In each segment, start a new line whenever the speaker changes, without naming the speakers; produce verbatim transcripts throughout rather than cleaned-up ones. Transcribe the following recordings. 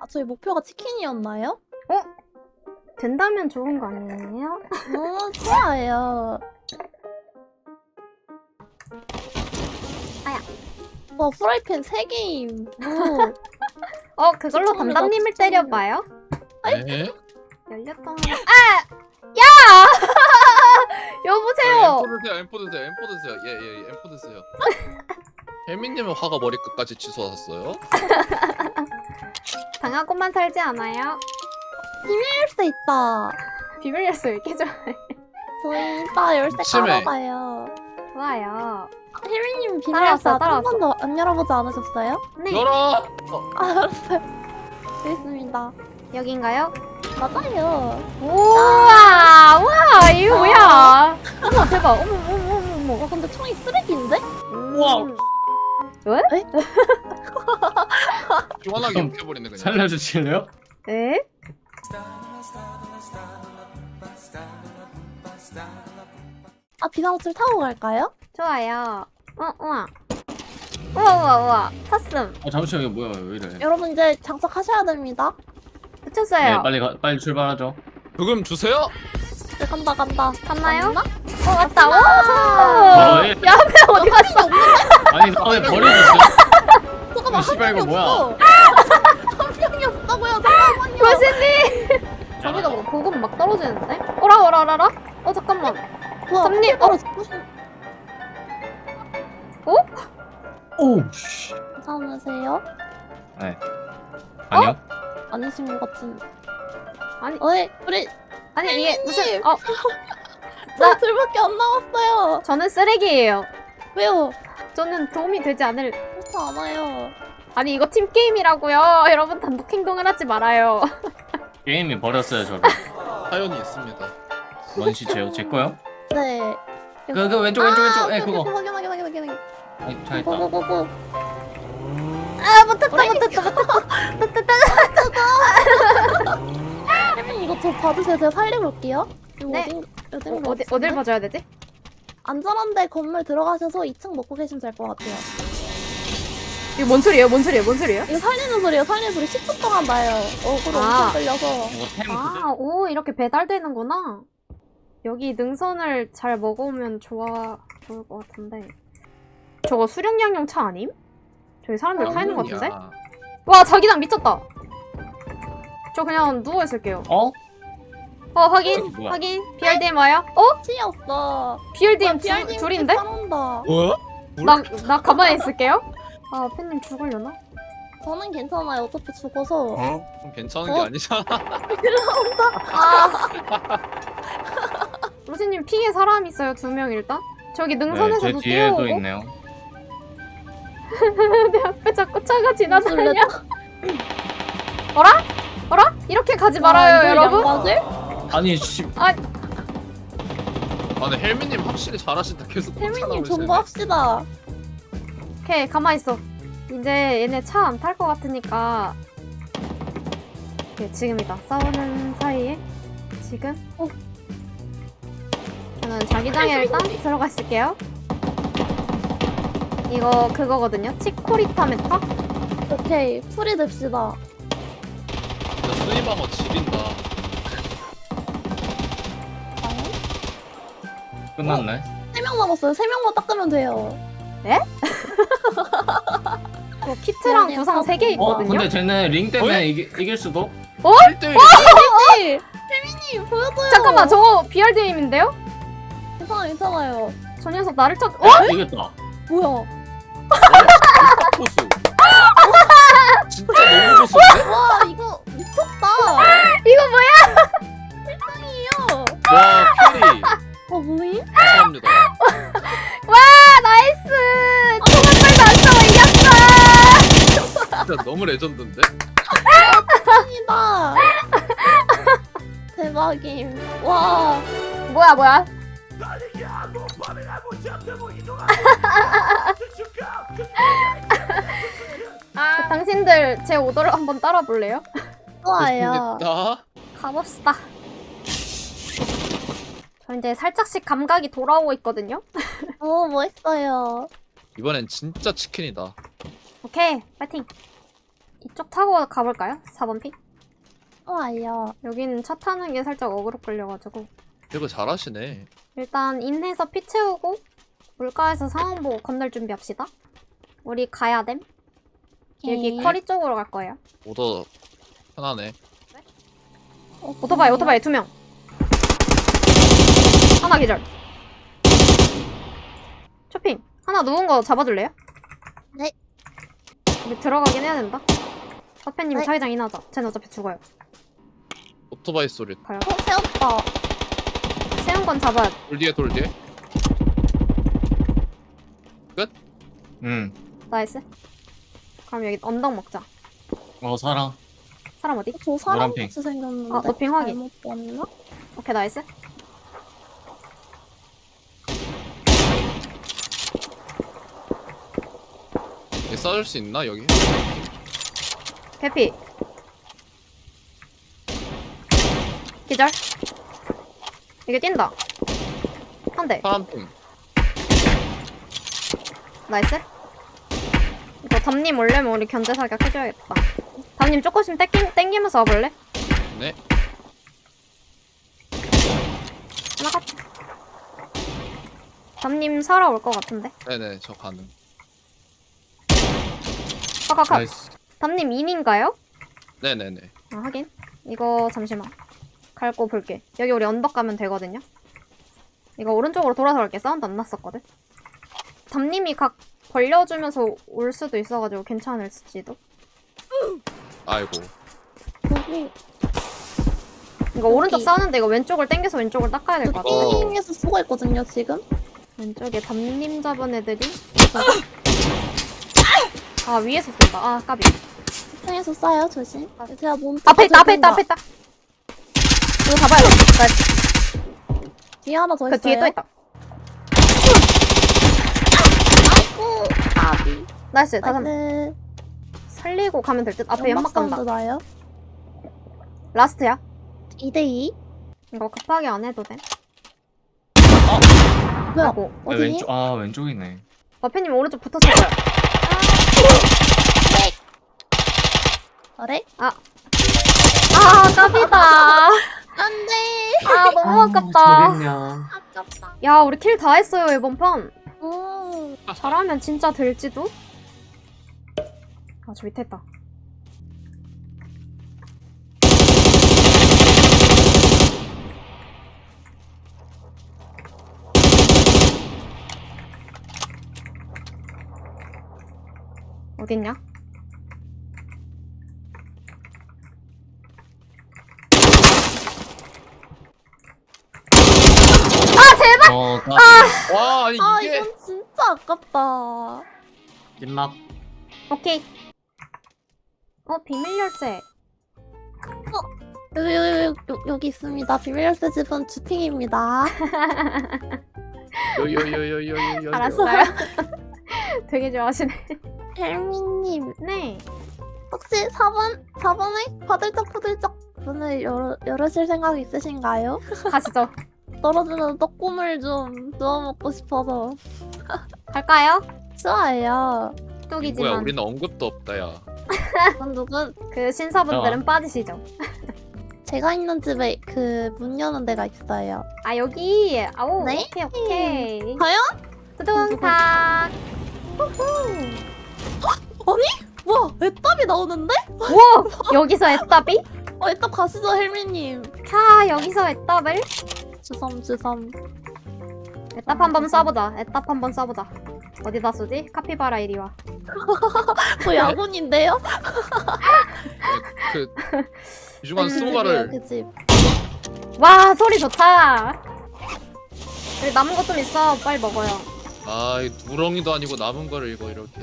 아, 저희 목표가 치킨이었나요?
어? 된다면 좋은 거 아니에요?
너무 좋아요.
아야.
와, 프라이팬 세 개임. 오.
어, 그걸로
추천합니다,
담담님을
추천합니다.
때려봐요.
네?
열렸던 하나. 아! 야! 여보세요!
엠포 드세요, 엠포 드세요, 엠포 드세요. 예, 예, 예, 엠포 드세요. 혜민님은 화가 머리끝까지 치솟았어요?
당하고만 살지 않아요?
열쇠 있다.
비밀 열쇠 왜 이렇게 좋아해?
저희 이따 열쇠
심해.
깔아봐요.
좋아요.
혜민님 비밀 열쇠
따라왔어,
한
따라왔어.
번도 안 열어보지 않으셨어요?
네.
열어! 어,
아, 알았어요. 알겠습니다.
여긴가요?
맞아요.
우와! 우와! 이거 뭐야? 어머, 대박. 어머, 어머, 어머, 어머.
와, 근데 총이 쓰레기인데?
우와!
음.
시원하게
좀
웃겨버리네 그냥.
살려주실래요?
에?
아, 비상호출 타고 갈까요?
좋아요. 어, 우와. 우와, 우와, 우와. 탔음.
어 잠시만 이거 뭐야 왜 이래?
여러분 이제 장착하셔야 됩니다.
붙였어요.
네 빨리 가, 빨리 출발하죠.
조금 주세요.
네, 간다 간다.
갔나요?
갔나?
어, 왔다. 와!
어, 예.
야, 왜 어디 갔어?
아니 나왜 버려졌어?
잠깐만,
이 씨발,
한 명이
이거 뭐야?
없어. 한 명이 없다고요. 잠깐만요.
교수님! 저기다 뭐 보급 막 떨어지는데? 어라, 어라, 어라, 어라? 어, 잠깐만.
뭐야,
선님,
바로
어?
죽으신-
오 씨.
괜찮으세요?
네. 아니요.
아니신 것 같은.
아니.
어이, 우리
아니, 이게 무슨,
혜민님!
어,
저 둘밖에 안 남았어요.
저는 쓰레기예요.
왜요?
저는 도움이 되지 않을.
그렇지 않아요.
아니, 이거 팀게임이라고요. 여러분, 단독 행동을 하지 말아요.
게임이 버렸어요 저를.
사연이 있습니다.
뭔 시체요? 제 거요?
네.
그, 그 왼쪽 왼쪽 왼쪽. 예
오케이,
그거.
오케이, 확인 확인 확인 확인 확인.
아니 잘 있다.
고고고고.
아, 못했다, 못했다, 못했다.
혜민 이거 저 봐주세요. 제가 살려볼게요. 이거
네.
어딘 어딘
어, 어디, 어딜 봐줘야 되지?
안전한데 건물 들어가셔서 이 층 먹고 계시면 될 것 같아요.
이거 뭔 소리예요? 뭔 소리예요? 뭔 소리예요?
이거 살리는 소리예요. 살리는 소리 십 초 동안 나요. 어그로
아.
엄청 끌려서.
이거 템 그대.
아, 오, 이렇게 배달되는구나. 여기 능선을 잘 먹으면 좋아, 좋을 것 같은데. 저거 수령양용 차 아님? 저기 사람들 타 있는 것 같은데?
야.
와, 자기장 미쳤다. 저 그냥 누워있을게요.
어?
어, 확인,
저기 뭐야?
확인. 비알디엠 와요? 어?
치 없어.
비알디엠
와, 비알디엠
둘인데?
따라온다.
뭐야?
나, 나 가만히 있을게요. 아, 팬님 죽으려나?
저는 괜찮아요. 어차피 죽어서.
어? 그럼 괜찮은
어?
게 아니잖아.
아. 로시님 핑에 사람 있어요, 두 명 일단. 저기
네, 제
능선에서도
뒤에도
뛰어오고.
있네요.
내 앞에 자꾸 차가 지나다녀.
놀랬다.
어라? 어라? 이렇게 가지
와,
말아요,
이걸
여러분.
양각을?
아니 씨.
아 근데 혜민님 확실히 잘하신다. 계속
혜민님
쫓아가고
정보합시다.
오케이, 가만히 있어. 이제 얘네 차 안 탈 것 같으니까. 오케이, 지금이다. 싸우는 사이에 지금.
어.
저는 자기장에 일단 들어가 있을게요. 이거 그거거든요. 치코리타 메타?
오케이. 풀이 됩시다.
진짜 스위방어 지린다.
끝났네.
세 명 남았어요. 세 명만 닦으면 돼요.
어, 키트랑
미안해요.
구상 세 개
어
있거든요.
근데 쟤네 링 때문에
어?
이기, 이길 수도?
일 대 일.
혜민! 혜민님 보여줘요.
잠깐만, 저거 비알디엠인데요?
괜찮아요. 괜찮아요.
저 녀석 나를 쳐. 어?
이겼다.
뭐야?
고수. 진짜 너무 고수인데?
와 이거 미쳤다.
이거 뭐야?
세상이에요.
와 캐리.
어 뭐임?
감사합니다.
와, 나이스! 총알빨도 안 싸워, 이겼어!
진짜 너무 레전드인데?
짱이다. 대박임. 와.
뭐야, 뭐야? 아, 당신들 제 오더를 한번 따라 볼래요?
좋아요.
됐다.
가봅시다. 저 이제 살짝씩 감각이 돌아오고 있거든요.
오 멋있어요.
이번엔 진짜 치킨이다.
오케이, 파이팅. 이쪽 타고 가볼까요? 사 번 픽?
좋아요.
여기는 차 타는 게 살짝 어그로 끌려가지고
이거 잘하시네.
일단 인해서 피 채우고 물가에서 상황 보고 건널 준비합시다. 우리 가야 됨. 여기
오케이.
커리 쪽으로 갈 거예요.
오더 편하네.
어,
오토바이 오토바이 두 명. 하나 기절. 쇼핑. 하나 누운 거 잡아줄래요?
네.
우리 들어가긴 해야 된다. 서페님
네.
자기장 인하자. 쟤는 어차피 죽어요.
오토바이 소리.
가요.
어, 세웠다.
세운 건 잡아야 돼.
돌 뒤에 돌 뒤에.
응.
나이스. 그럼 여기 언덕 먹자.
어 사랑.
사람 어디?
저 사람
노란핑.
같이 생겼는데.
아, 노핑 확인.
잘못 봤나?
오케이 나이스.
얘 싸줄 수 있나 여기?
개피. 기절. 이게 뛴다. 한 대.
파란핑.
나이스. 이거 담님 올려면 우리 견제 사격 해줘야겠다. 담님 조금씩 땡기, 땡기면서 와볼래?
네.
하나 컷. 담님 살아올 것 같은데.
네네 저 가능.
카카카.
나이스.
담님 인인가요?
네네네.
아 하긴. 이거 잠시만. 갈고 볼게. 여기 우리 언덕 가면 되거든요. 이거 오른쪽으로 돌아서 갈게. 사운드 안 났었거든. 담님이 각 벌려주면서 올 수도 있어가지고 괜찮을지도.
아이고.
여기
이거 오른쪽
여기.
싸우는데 이거 왼쪽을 당겨서 왼쪽을 닦아야 될 것 같아.
어.
핑에서 쓰고 있거든요 지금.
왼쪽에 담님 잡은 애들이. 아 위에서 쏜다. 아 까비.
층에서 쏴요 조심. 제가 몸
앞에 있다 앞에 있다 앞에 있다. 이거 잡아야 돼. 나이스.
뒤에 하나 더
그
있어요.
뒤에 또 있다.
아이고 아비.
나이스. 다 잡.
나이스.
살리고 가면 될 듯. 앞에 연막 간다.
사운드 나요?
라스트야.
이 대 이.
이거 급하게 안 해도 돼.
뭐야?
아이고.
아,
어디?
왼쪽 아 왼쪽이네.
마페님 오른쪽 붙었을 거야.
그래?
아 까비다.
안돼.
아 너무 아깝다.
저겠냐.
아깝다.
야 우리 킬 다 했어요 이번 판.
음.
잘하면 진짜 될지도. 아 저 밑에 있다. 어딨냐? 아 제발!
어 까비.
와 아니
아
이게.
이건 진짜 아깝다.
찐막.
오케이. 어 비밀 열쇠.
여기 여기 여기, 여기, 여기 있습니다. 비밀 열쇠 집은 주팅입니다.
요요요요요요.
알았어요. 되게 좋아하시네.
헬미님
네.
혹시 사 번 사 번에 파들쩍파들쩍 문을 열어, 열으실 생각 있으신가요?
가시죠.
떨어지는 떡국물 좀 누워 먹고 싶어서.
갈까요?
좋아요.
뭐야
뚝이지만
우리는 언급도 없다 야.
누군 누군
그 신사분들은 빠지시죠.
제가 있는 집에 그 문 여는 데가 있어요.
아 여기. 아오.
네?
오케이 오케이.
과연?
두둥탁.
와 애답이 나오는데?
우와 여기서 애답이?
어 애답 가시죠 헬미님.
캬 여기서 애답을?
주섬 주섬.
애답 한번 쏴보자. 애답 한번 쏴보자. 어디다 쏘지? 카피바라 이리 와.
저 야군인데요?
그 유중한
음,
스모가를.
그 집.
와 소리 좋다. 여기 남은 것 좀 있어. 빨리 먹어요.
아이 누렁이도 아니고 남은 거를 이거 이렇게.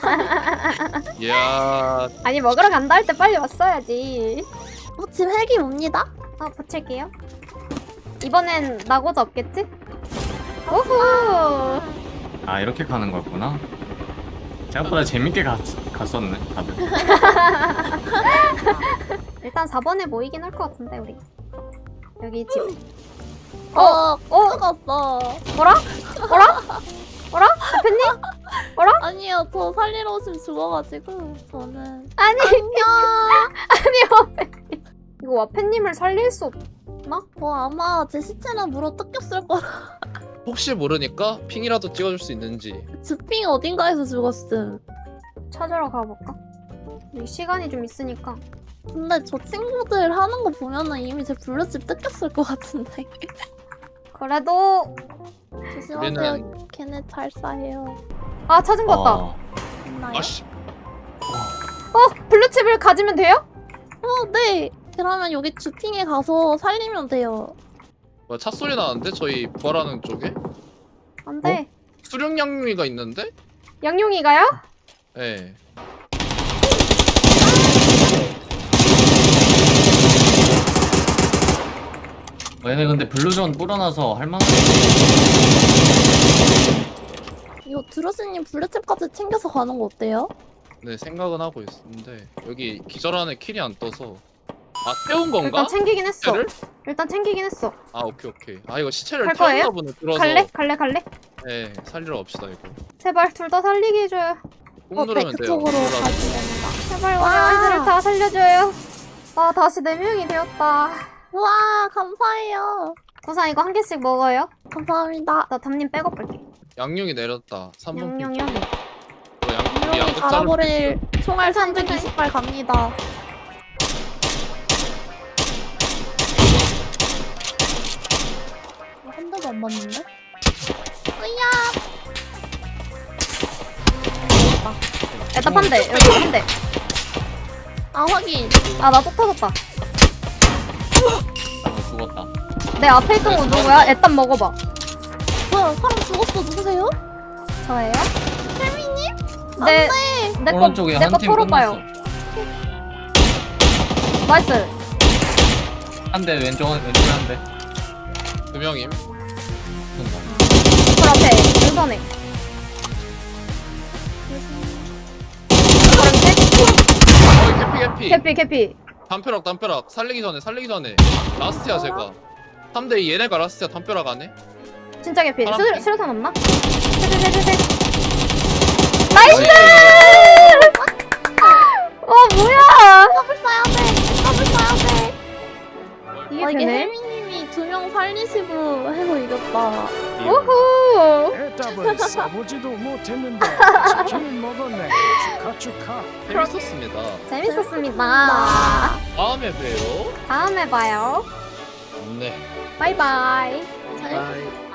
이야.
아니 먹으러 간다 할 때 빨리 왔어야지.
어, 집 헬기 옵니다.
어 붙일게요. 이번엔 나고자 없겠지? 오호.
아 이렇게 가는 거였구나. 생각보다 재밌게 갔, 갔었네 다들.
일단 사 번에 모이긴 할 것 같은데 우리. 여기 집.
어,
어?
죽었어.
뭐라? 뭐라? 뭐라? 대표님?
아니요, 저 살리러 오시면 죽어가지고 저는
아니
안녕.
이거 와페님을 살릴 수 없...
뭐 아마 제 시체는 물어 뜯겼을 거라.
혹시 모르니까 핑이라도 찍어줄 수 있는지.
주핑 어딘가에서 죽었음.
찾으러 가볼까? 우리 시간이 좀 있으니까.
근데 저 친구들 하는 거 보면은 이미 제 블루칩 뜯겼을 것 같은데.
그래도
조심하세요.
우리는
걔네 잘 싸해요.
아 찾은 것 같다.
어.
있나요?
아씨.
어 블루칩을 가지면 돼요?
어, 네. 그러면 여기 주핑에 가서 살리면 돼요.
뭐야, 차 소리 나는데 저희 부활하는 쪽에
안돼.
수륙 양미가 있는데?
양용이가요?
예.
얘네 근데 블루존 뿌려놔서 할만한.
이거 드로스님 블루칩까지 챙겨서 가는 거 어때요?
네 생각은 하고 있는데 여기 기절하는 킬이 안 떠서. 아 태운 건가?
일단 챙기긴 했어.
시체를?
일단 챙기긴 했어.
아 오케이 오케이. 아 이거 시체를
갈 거예요?
태웠나 보네. 들어서.
갈래? 갈래? 갈래?
네 살리러 갑시다 이거.
제발 둘 다 살리게 해줘요.
꾹 누르면 돼요.
그쪽으로
눌러서.
가시면 됩니다.
제발 우리
와.
아이들을 다 살려줘요. 아 다시 네 명이 되었다.
우와, 감사해요.
우선 이거 한 개씩 먹어요.
감사합니다.
나 담님 백업 할게.
양용이 내렸다. 삼 번 핑.
양용이 형.
어, 양, 우리
분명히
양극 자를
갈아버릴 총알 삼백이십 발 갑니다. 한 대도 안 맞는데? 으야!
일단 한 대. 여기 한 대.
아, 확인.
아 나 또 터졌다.
아, 죽었다.
내 앞에 있던 건 누구야? 일단 먹어봐.
뭐야, 사람 죽었어. 누구세요?
저예요?
혜미님?
네.
안
내거
오른쪽에
내거
한 팀
털어봐요.
끝났어.
나이스.
한 대 왼쪽 왼쪽에 한 대.
두 명임.
그 앞에 우선에.
어 개피 개피.
개피 개피.
담벼락 담벼락 살리기 전에 살리기 전에 라스트야 제가. 삼 대 이 얘네가 라스트야 담벼락 안에.
진짜 개피.
사람
수,
피?
수류탄 없나? 세세세세. 나이스! 와 뭐야?
더블 쏴야 돼. 더블 쏴야 돼.
이게
아, 이게
되네?
혜미님이 두 명 살리시고 해서 이겼다.
우후.
애답을 써보지도 못했는데 치킨을 먹었네. 축하 축하.
재밌었습니다.
재밌었습니다.
다음에 봬요.
다음에 봐요.
네.
바이바이.
잘
바이.